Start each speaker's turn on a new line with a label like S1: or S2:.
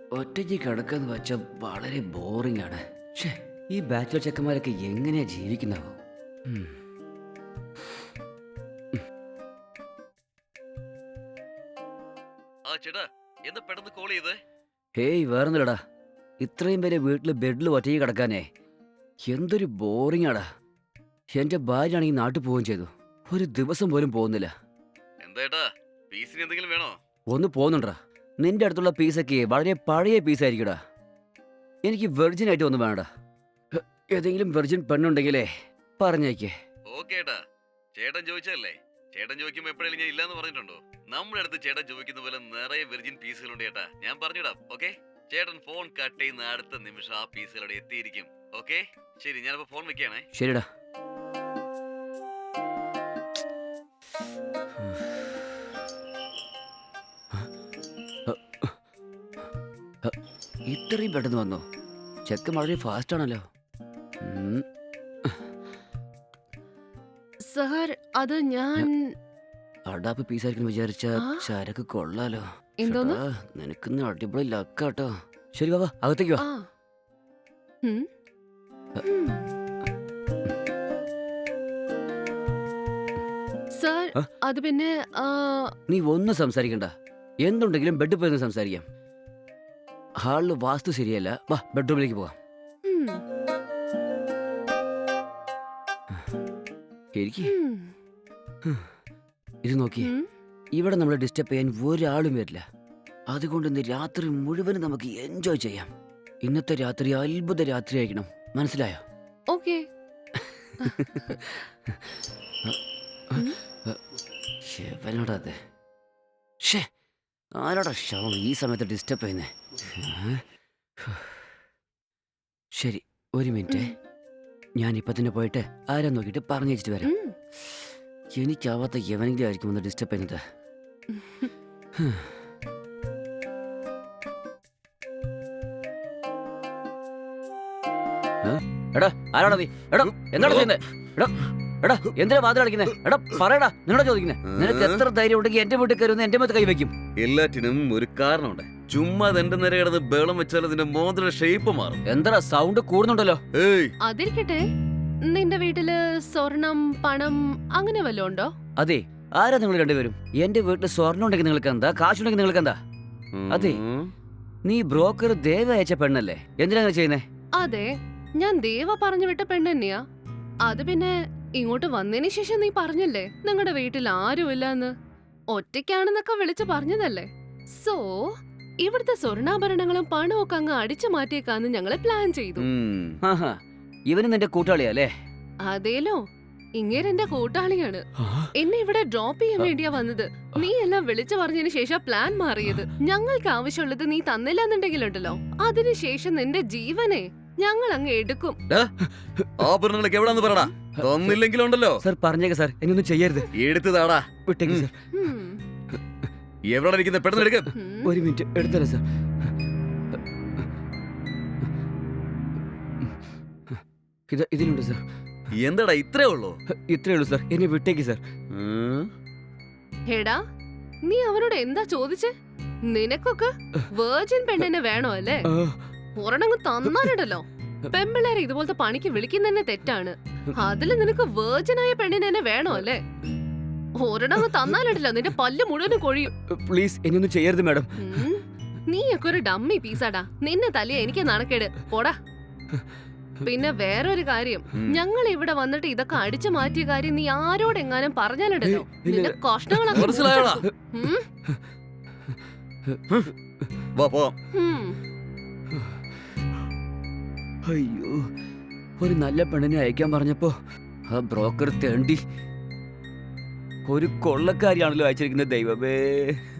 S1: ഒറ്റയ്ക്ക് കിടക്കാന്ന് വെച്ചാൽ വളരെ ബോറിംഗ് ആണ്. ഷേ, ഈ ബാച്ചിലർ ചെക്കന്മാരൊക്കെ എങ്ങനെയാ ജീവിക്കുന്നവോ? ഹേയ്, വേറൊന്നുമില്ലടാ. ഇത്രയും പേരെ വീട്ടിൽ ബെഡിൽ ഒറ്റയ്ക്ക് കിടക്കാനേ എന്തൊരു ബോറിംഗ് ആടാ. എന്റെ ഭാര്യ ആണെങ്കിൽ നാട്ടിൽ പോവുകയും ചെയ്തു. ഒരു ദിവസം പോലും പോകുന്നില്ല. ഒന്ന് പോകുന്നുണ്ടാ. നിന്റെ അടുത്തുള്ള പീസൊക്കെ വളരെ പഴയ പീസായിരിക്കടാ. എനിക്ക് വെർജിൻ ആയിട്ട് ഒന്നും വേണടാ. ഏതെങ്കിലും വെർജിൻ പെണ്ണുണ്ടെങ്കിലേ പറഞ്ഞേക്കേ.
S2: ചേട്ടൻ ചോദിച്ചല്ലേ? ചേട്ടൻ ചോദിക്കുമ്പോ എപ്പോഴെങ്കിലും ഞാൻ ഇല്ലാന്ന് പറഞ്ഞിട്ടുണ്ടോ? നമ്മുടെ അടുത്ത് ചേട്ടൻ ചോദിക്കുന്ന പോലെ നിറയെ വെർജിൻ പീസുകളുണ്ട് ചേട്ടാ. ഞാൻ പറഞ്ഞിടാം. ഓക്കെ, ചേട്ടൻ ഫോൺ കട്ട് ചെയ്യുന്ന അടുത്ത നിമിഷം ആ പീസുകളുടെ എത്തിയിരിക്കും. ഓക്കെ, ശരി, ഞാനിപ്പോ ഫോൺ വെക്കുകയാണേ.
S1: ശരിടാ. ഇത്രയും പെട്ടെന്ന് വന്നോ? ചെക്കൻ വളരെ ഫാസ്റ്റ് ആണല്ലോ.
S3: സർ, അത് ഞാൻ
S1: അടാപ്പ് പീസായിരിക്കും വിചാരിച്ച ചരക്ക് കൊള്ളാലോ.
S3: എന്തോന്ന്?
S1: നിനക്ക് അടിപൊളി ലക്കാട്ടോ. ശരി, വാ അകത്തേക്ക് വാ.
S3: സർ, അത് പിന്നെ
S1: നീ ഒന്നും സംസാരിക്കണ്ട. എന്തുണ്ടെങ്കിലും ബെഡിൽ പോയി സംസാരിക്കാം. ഹാളില് വാസ്തു ശരിയല്ല. വാ, ബെഡ്റൂമിലേക്ക് പോവാം. ഇത് നോക്കി, ഇവിടെ നമ്മളെ ഡിസ്റ്റർബ് ചെയ്യാൻ ഒരാളും വരില്ല. അതുകൊണ്ട് ഇന്ന് രാത്രി മുഴുവനും നമുക്ക് എൻജോയ് ചെയ്യാം. ഇന്നത്തെ രാത്രി അത്ഭുത രാത്രി ആയിരിക്കണം, മനസ്സിലായോ?
S3: ഓക്കേ.
S1: ആരാടാ ശവം ഈ സമയത്ത് ഡിസ്റ്റർബ് ചെയ്യുന്നേ? ശരി, ഒരു മിനിറ്റ്. ഞാൻ ഇപ്പൊ തന്നെ പോയിട്ട് ആരാ നോക്കിയിട്ട് പറഞ്ഞു വെച്ചിട്ട് വരാം. എനിക്കാവാത്ത എവനെങ്കിലും ആയിരിക്കും ഒന്ന് ഡിസ്റ്റർബ് ചെയ്യുന്നത്. എടാ, ആരാടാ നീ? എടാ, എന്താണ് ചെയ്യുന്നത്? എടാ എടാ, എന്തിനാ വാതിൽ അടിക്കുന്നേ? എടാ പറയടാ, നിന്നോടാ ചോദിക്കുന്നേ. നിനക്ക് എത്ര ധൈര്യം ഉണ്ടെങ്കിൽ എന്റെ വീട്ടിൽ കയറുന്ന എന്റെ മുഖത്ത് കൈവയ്ക്കും?
S2: എല്ലാറ്റിനും ഒരു കാരണമുണ്ട്. ചുമ്മാ എന്റെ നേരെ കിടന്ന് ബേളം വെച്ചാൽ അതിന്റെ മോതിര ഷേപ്പ് മാറും.
S1: എന്താ സൗണ്ട് കൂടുന്നുണ്ടല്ലോ?
S3: അതിരിക്കട്ടെ, നിന്റെ വീട്ടില് സ്വർണം, പണം അങ്ങനെ വല്ലതും ഉണ്ടോ?
S1: അതെ, ആരാ നിങ്ങൾ രണ്ടുപേരും? എന്റെ വീട്ടിൽ സ്വർണ്ണം ഉണ്ടെങ്കിൽ നിങ്ങൾക്ക് എന്താ? കാശുണ്ടെങ്കിൽ നിങ്ങൾക്ക് എന്താ? അതെ, നീ ബ്രോക്കർ ദേവ അയച്ച പെണ്ണല്ലേ? എന്തിനാ ചെയ്യുന്നേ?
S3: അതെ, ഞാൻ ദേവ പറഞ്ഞു വിട്ട പെണ്ണ് തന്നെയാ. അത് പിന്നെ ഇങ്ങോട്ട് വന്നതിന് ശേഷം നീ പറഞ്ഞല്ലേ നിങ്ങളുടെ വീട്ടിൽ ആരുമില്ല എന്ന്. ഒറ്റയ്ക്കാണെന്നൊക്കെ വിളിച്ചു പറഞ്ഞതല്ലേ. സോ ഇവിടുത്തെ സ്വർണ്ണാഭരണങ്ങളും പണവും ഒക്കെ അങ്ങ് അടിച്ചു മാറ്റിയേക്കാന്ന് ഞങ്ങള് പ്ലാൻ ചെയ്തു.
S1: ഇവനും നിന്റെ കൂട്ടാളിയല്ലേ?
S3: അതേലോ, ഇങ്ങേരെന്റെ കൂട്ടാളിയാണ്. എന്നെ ഇവിടെ ഡ്രോപ്പ് ചെയ്യാൻ വേണ്ടിയാ വന്നത്. നീ എല്ലാം വിളിച്ചു പറഞ്ഞതിന് ശേഷം പ്ലാൻ മാറിയത്. ഞങ്ങൾക്ക് ആവശ്യമുള്ളത് നീ തന്നില്ലെന്നുണ്ടെങ്കിലുണ്ടല്ലോ, അതിനുശേഷം നിന്റെ ജീവനെ ഞങ്ങൾ അങ്ങ് എടുക്കും.
S2: ആഭരണങ്ങളൊക്കെ എവിടാന്ന് പറടാ. തന്നില്ലെങ്കിലുണ്ടല്ലോ.
S1: സർ പറഞ്ഞേക്ക സാർ, എന്നൊന്നും ചെയ്യരുത്.
S2: എടുത്തതാടാ.
S1: വിട്ടേക്ക് സാർ.
S2: എവിടെ ഇരിക്കുന്നത്? പെട്ടെന്ന് എടുക്ക.
S1: ഒരു മിനിറ്റ് എടുത്തരാം സാർ. ഇതിലുണ്ട് സാർ.
S2: എന്താടാ ഇത്രേ ഉള്ളൂ?
S1: ഇത്രേ ഉള്ളൂ സാർ, എന്നെ വിട്ടേക്ക് സാർ.
S3: ഹേടാ, നീ അവനോട് എന്താ ചോദിച്ചേ? നിനക്കൊക്കെ വേർജിൻ പെണ്ണിനെ വേണോ അല്ലേ? ഒരെണ്ണങ്ങ് തന്നാലുണ്ടല്ലോ. പെമ്പിള്ളേരെ ഇതുപോലത്തെ പണിക്ക് വിളിക്കുന്നതന്നെ തെറ്റാണ്. അതില് നിനക്ക് വേർജിനായ പെണ്ണിനെ തന്നെ വേണോ അല്ലേ? ഒരെണ്ണങ്ങ് തന്നാലുണ്ടല്ലോ നിന്റെ പല്ല് മുഴുവനും കൊഴിയും.
S1: പ്ലീസ്, എന്നൊന്നും ചെയ്യരുത് മാഡം.
S3: നീയൊക്കെ ഒരു ഡമ്മി പീസാടാ. നിന്നെ തലയെ എനിക്ക് നാണക്കേട്. പോടാ. പിന്നെ വേറൊരു കാര്യം, ഞങ്ങൾ ഇവിടെ വന്നിട്ട് ഇതൊക്കെ അടിച്ചു മാറ്റിയ കാര്യം നീ ആരോടെങ്ങാനും പറഞ്ഞാലുണ്ടല്ലോ നിന്റെ കഷ്ണങ്ങളൊക്കെ.
S1: അയ്യോ, ഒരു നല്ല പെണ്ണിനെ അയക്കാൻ പറഞ്ഞപ്പോ ആ ബ്രോക്കർ തേണ്ടി ഒരു കൊള്ളക്കാരിയാണല്ലോ അയച്ചിരിക്കുന്നത്. ദൈവമേ.